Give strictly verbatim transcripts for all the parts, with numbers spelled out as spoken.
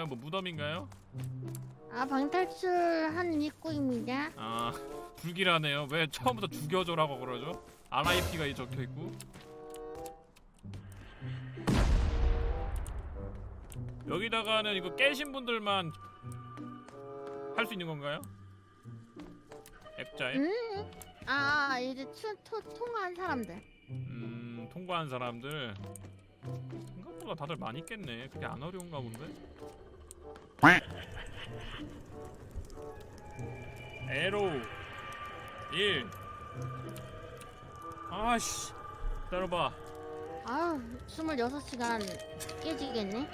어딘가요? 뭐 무덤인가요? 아, 방탈출한 입구입니다. 아, 불길하네요. 왜 처음부터 죽여줘라고 그러죠? 알아이피가 이 적혀있고. 여기다가는 이거 깨신 분들만 할 수 있는 건가요? 액자에? 음? 아, 이제 투, 투, 통화한 사람들. 음, 통과한 사람들. 생각보다 다들 많이 깼네. 그게 안 어려운가 본데? 에로 일. 아씨, 기다려봐. 아유, 스물여섯 시간 깨지겠네.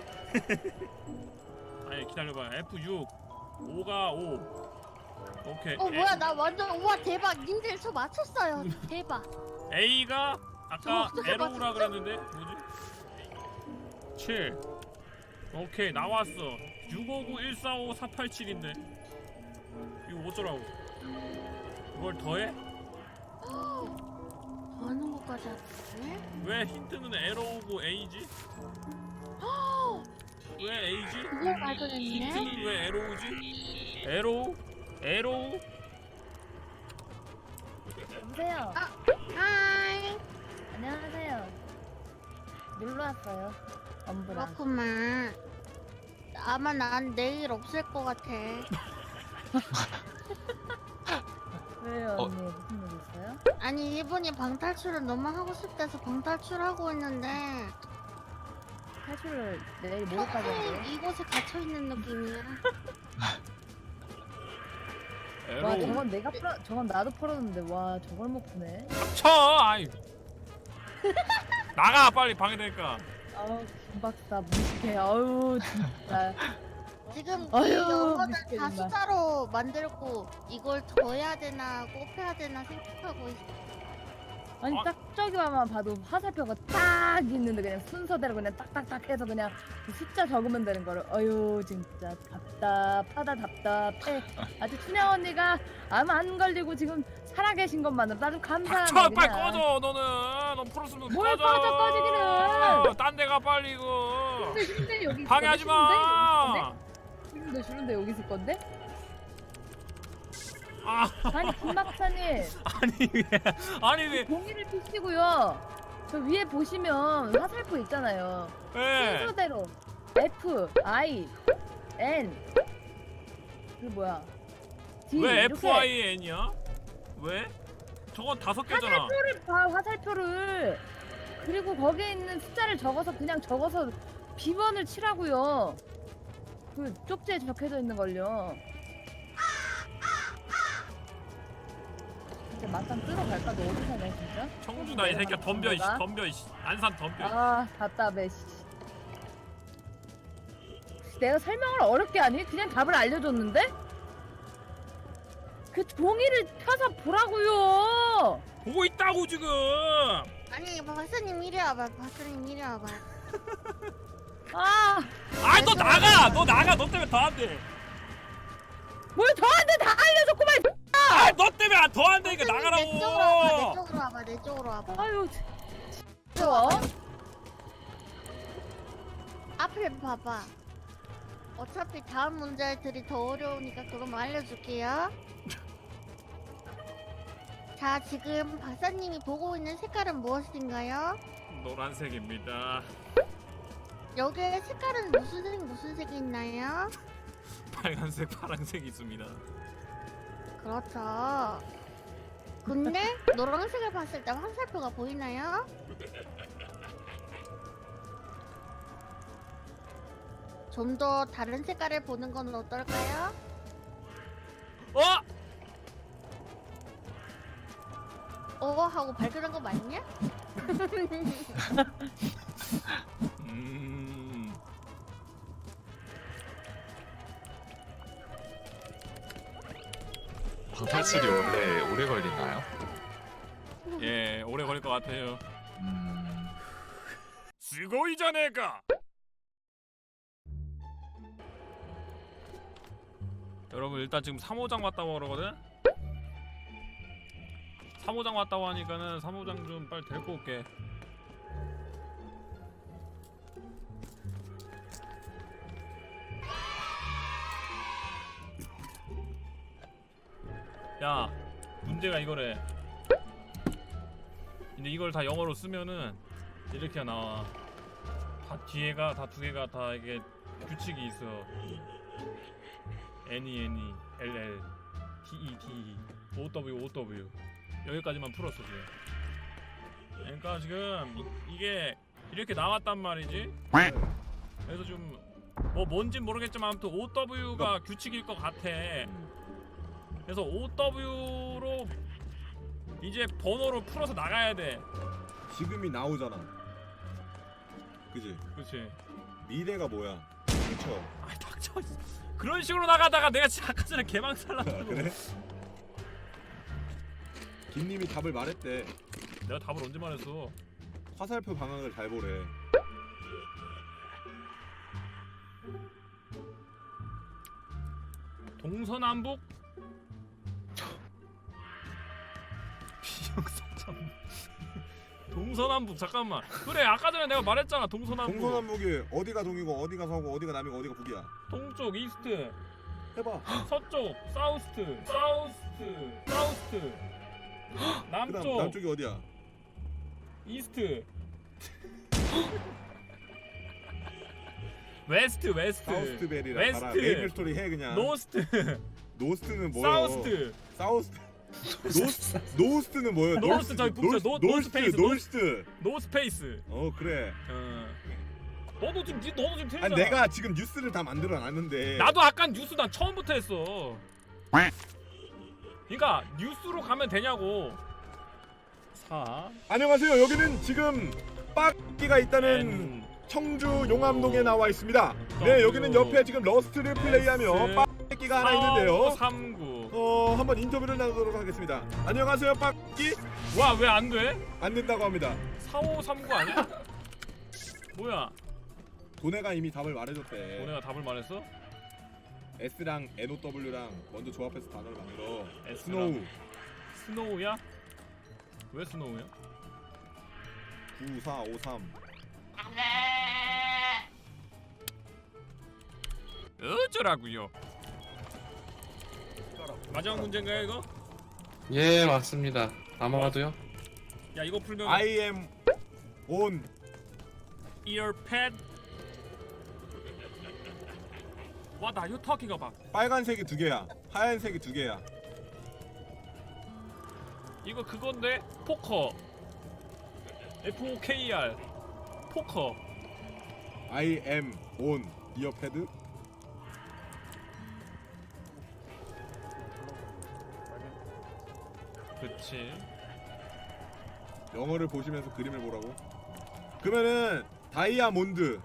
아니 기다려봐. 에프 육. 오가 오. 오케이. 어, 뭐야, 나 완전, 우와, 대박. 님들 저 맞췄어요. 대박. A가 아까 저, 저 에로우라 맞췄어? 그랬는데 뭐지? 칠. 오케이, 나왔어. 육오구 일사오 사팔칠인데 이거 어쩌라고? 이걸 더해? 하는 것까지 하네? 왜 힌트는 에로우고 A지? 왜 A지? 그걸 발견했네? 힌트는 왜 에로우지? 에로우? 에로우? 여보세요. 아, 하이. 안녕하세요. 놀러 왔어요. 엄브랑. 그렇구만. 아마 난 내일 없을 것 같아. 왜요, 어. 언니? 무슨 일 있어요? 아니, 이분이 방탈출을 너무 하고 싶대서 방탈출하고 있는데 탈출을 내일 모레까지 평생 한대요. 이곳에 갇혀있는 느낌이야. 와, 에로우? 저건 내가 풀어, 저건 나도 풀었는데, 와, 저걸 못 푸네. 쳐! 아이 나가 빨리 방해되니까. 아우, 김박사, 무식해. 아우, 진짜. 지금 이 아유, 영어를 미치겠네. 다 숫자로 만들고 이걸 더해야 되나 곱해야 되나 생각하고 있어. 아니, 아. 딱 저기만 봐도 화살표가 딱 있는데, 그냥 순서대로 그냥 딱딱딱 해서 그냥 그 숫자 적으면 되는 거를. 어휴, 진짜 답답하다, 답답해. 아주 춘향 언니가 암 안 걸리고 지금 살아계신 것만으로 나도 감사하네. 쳐! 빨리 그냥. 꺼져 너는. 너 풀었으면 뭘 꺼져. 꺼져, 꺼지기는. 딴 데 가 빨리 이거. 근데 싫은데 여기 있을 방해하지 건데? 마. 싫은데 싫은데 여기 있을 건데? 아, 아니 김 박사님 아니 왜? 아니 왜? 종이를 펴시고요. 저 위에 보시면 화살표 있잖아요. 왜? 순서대로 F, I, N 그 뭐야? D 왜 이렇게 에프 아이 엔이야? 왜? 저건 다섯 개잖아. 화살표를 봐, 화살표를. 그리고 거기에 있는 숫자를 적어서 그냥 적어서 비번을 치라고요. 그 쪽지에 적혀져 있는 걸요. 진짜 맞짱 뜨러 갈까? 너 어디 사냐 진짜? 청주다 이 새끼야. 덤벼 이씨. 덤벼 이씨. 안산 덤벼. 아 답답해 씨. 내가 설명을 어렵게 하니? 그냥 답을 알려줬는데? 그 종이를 펴서 보라고요. 보고 있다고 지금. 아니, 박사님 이리 와봐. 박사님 이리 와봐. 아, 아, 너 나가. 너 나가. 너 때문에 더 안 돼. 뭘 저한테 다 알려줬구만. 아, 너 때문에 더 안 되니까 박사님, 내 쪽으로 와봐. 내 나가라고. 쪽으로 와봐. 내 쪽으로 와봐. 아유, 좋아. 앞을 봐봐. 어차피 다음 문제들이 더 어려우니까 그럼 알려줄게요. 자, 지금 박사님이 보고 있는 색깔은 무엇인가요? 노란색입니다. 여기에 색깔은 무슨 색, 무슨 색이 있나요? 빨간색, 파란색 있습니다. 그렇죠. 근데 노란색을 봤을 때 화살표가 보이나요? 좀 더 다른 색깔을 보는 건 어떨까요? 어? 어 하고 발견한 거 맞냐? 음. 방탈출이 원래 오래 걸리나요? 예, 오래 걸릴 것 같아요. 음... 스고이자네가. 여러분 일단 지금 삼 호장 왔다고 그러거든? 삼 호장 왔다고 하니까는 삼 호장 좀 빨리 데리고 올게. 야 문제가 이거래. 근데 이걸 다 영어로 쓰면은 이렇게 나와. 다 뒤에가 다 두 개가 다 이게 규칙이 있어. N-E N-E L-L T-E T-E O-W O-W 여기까지만 풀었어 지금. 그러니까 지금 이, 이게 이렇게 나왔단 말이지. 그래서 좀 뭐 뭔진 모르겠지만 아무튼 O-W가 규칙일 것 같아. 그래서 O-W로 이제 번호를 풀어서 나가야 돼. 지금이 나오잖아. 그지? 그렇지. 미래가 뭐야? 닥쳐. 아 닥쳐. 그런 식으로 나가다가 내가 진짜 아까 전에 개망살 났다고. 그래? 김님이 답을 말했대. 내가 답을 언제 말했어? 화살표 방향을 잘 보래. 동서남북? 비영사참. 동서남북 잠깐만. 그래 아까 전에 내가 말했잖아 동서남북. 동서남북이 어디가 동이고 어디가 서고 어디가 남이고 어디가 북이야. 동쪽 이스트, 해봐. 서쪽 사우스트, 사우스트, 사우스트. 그다음 남쪽 남쪽이 어디야? 이스트. 웨스트 웨스트. 사우스트벨이라 웨스트. 봐라. 메이플 스토리 해 그냥. 노스트. 노스트는 뭐야? 사우스트. 사우스트. 노스 노스트는 뭐야? 노스트 저기 북쪽 노- 노스 페이스, 노스트. 노스페이스. 어 그래. 어. 너도 지금 니- 너도 지금 틀리잖아. 아니 내가 지금 뉴스를 다 만들어 놨는데. 나도 아까 뉴스 난 처음부터 했어. 그러니까 뉴스로 가면 되냐고. 사. 안녕하세요. 여기는 지금 빡기가 있다는 N. 청주 용암동에 나와 있습니다. 네, 여기는 옆에 지금 러스트를 플레이하며 빡기가 하나 있는데요. 삼구. 어, 한번 인터뷰를 나누도록 하겠습니다. 안녕하세요, 빡기. 와 왜 안 돼? 안 된다고 합니다. 사오삼구 아니야? 뭐야? 도네가 이미 답을 말해줬대. 너네가 답을 말했어? S랑 엔 오 더블유랑 먼저 조합해서 단어를 만들어. S랑. 스노우 스노우야? 왜 스노우야? 구사오삼. 어쩌라고요? 마지막 문제인가요 이거? 예 맞습니다. 아마도요. 야 이거 풀면 I am on. earpad. What are you talking about? 빨간색이 두 개야. 하얀색이 두 개야. 이거 그건데 포커. F O K R. 포커. I am on 이어패드. 그치. 영어를 보시면서 그림을 보라고. 그러면은 다이아몬드.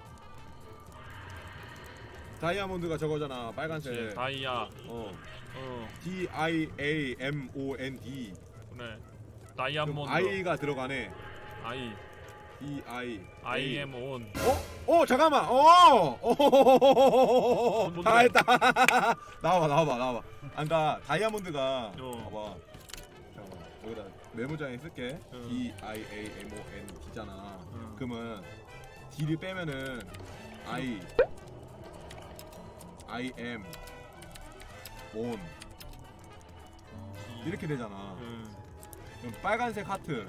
다이아몬드가 저거잖아. 빨간색. 그치. 다이아. 어. 어 D I A M O N D. 그래. 그럼 다이아몬드. I가 들어가네. I. D I. I am on. 어? 어 잠깐만. 어. 어. 뭔데? 다 했다. 나와봐 나와봐 나와봐. 아까 다이아몬드가 어. 봐봐. 잠깐만. 여기다 메모장에 쓸게. 어. D I A M O N D잖아. 어. 그러면 D를 빼면은 I I am on 이렇게 되잖아. 응. 그럼 빨간색 하트.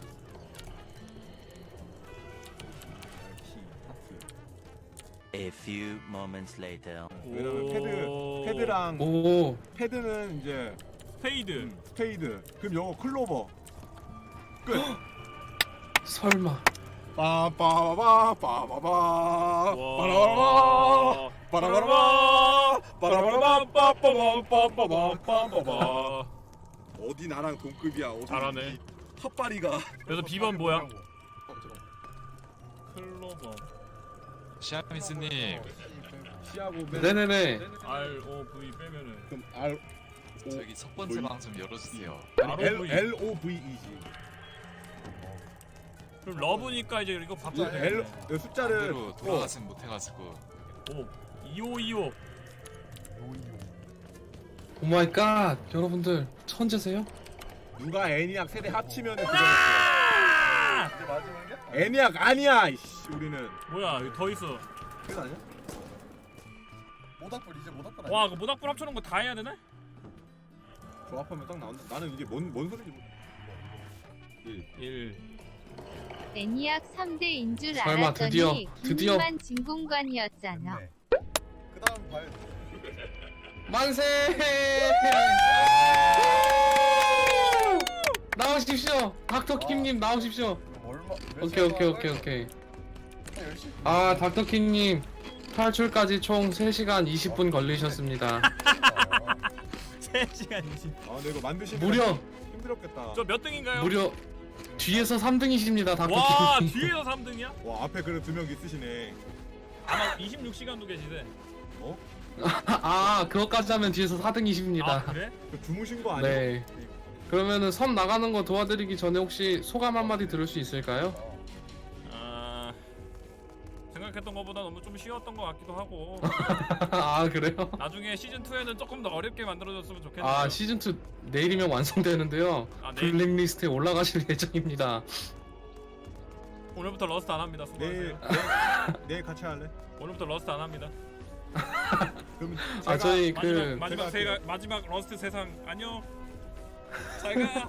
하트. A few moments later. 왜냐면 패드 오. 패드랑 오 패드는 이제 스페이드. 음, 스페이드. 그럼 영어 클로버. 끝. 설마. 빠빠바바 빠바바 와. 빠라바라바 빠라바라바 빠라바라바 빠빠바바바바바바바 와. 어디 나랑 동급이야. 어디 잘하네. 헛바리가. 그래서 B번 뭐야? 클로버. 시아미스님 시하고 맨 네네네. R O V 빼면은 그럼 R O 저기 첫 번째 뭐이? 방 좀 열어주세요. 아니, L R O V. L O V E지. 그럼 러브니까 이제 이거 이 바꿔야 L 돼. 이 숫자를 반대로 돌아가진 못해가지고 오. 이오이오. 오 마이 갓. 여러분들 천재세요? 누가 애니악 세대 합치면은 그거 아! 애니악 아니야. 이씨 우리는 뭐야 여기 더 있어. 그거 아니야? 모닥불 이제 모닥불 와, 그 모닥불 합쳐놓은 거 다 해야 되네? 조합하면 딱 나온다. 나는 이게 뭔, 뭔 소리인지 모르. 일. 일. 애니악 삼 대인 줄 설마 알았더니 드디어, 드디어. 김만 진공관이었잖아. 그 다음 봐야 돼. 만세! 나오십시오. 닥터 킴님 나오십시오. 얼마? 오케이 오케이 오케이 오케이. 아 닥터 킴님 탈출까지 총 세 시간 이십 분 걸리셨습니다. 세 시간 이십. 아, 근데 이거 만드시는 무려 힘들었겠다. 저 몇 등인가요? 무려 뒤에서 삼 등이십니다 닥터 와 킴님. 뒤에서 삼 등이야? 와, 앞에 그래 두 명 있으시네. 아마 이십육 시간도 계시대. 어? 아 그것까지 하면 뒤에서 사 등이십니다. 아 그래? 그 주무신 거 아니야? 네. 그러면은 섬 나가는 거 도와드리기 전에 혹시 소감 한마디 들을 수 있을까요? 아 생각했던 것보다 너무 좀 쉬웠던 것 같기도 하고 아 그래요? 나중에 시즌 이에는 조금 더 어렵게 만들어줬으면 좋겠네요. 아 시즌 투 내일이면 완성되는데요. 아, 내일? 블랙리스트에 올라가실 예정입니다. 오늘부터 러스트 안 합니다. 내일, 수고하세요. 내일, 내일 같이 할래? 오늘부터 러스트 안 합니다. 그럼 아 제가 저희 마지막 그 마지막 제가 세가 마지막 러스트 세상 안녕. 잘가.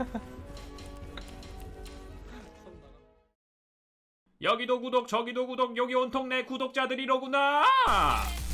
여기도 구독 저기도 구독 여기 온통 내 구독자들이로구나.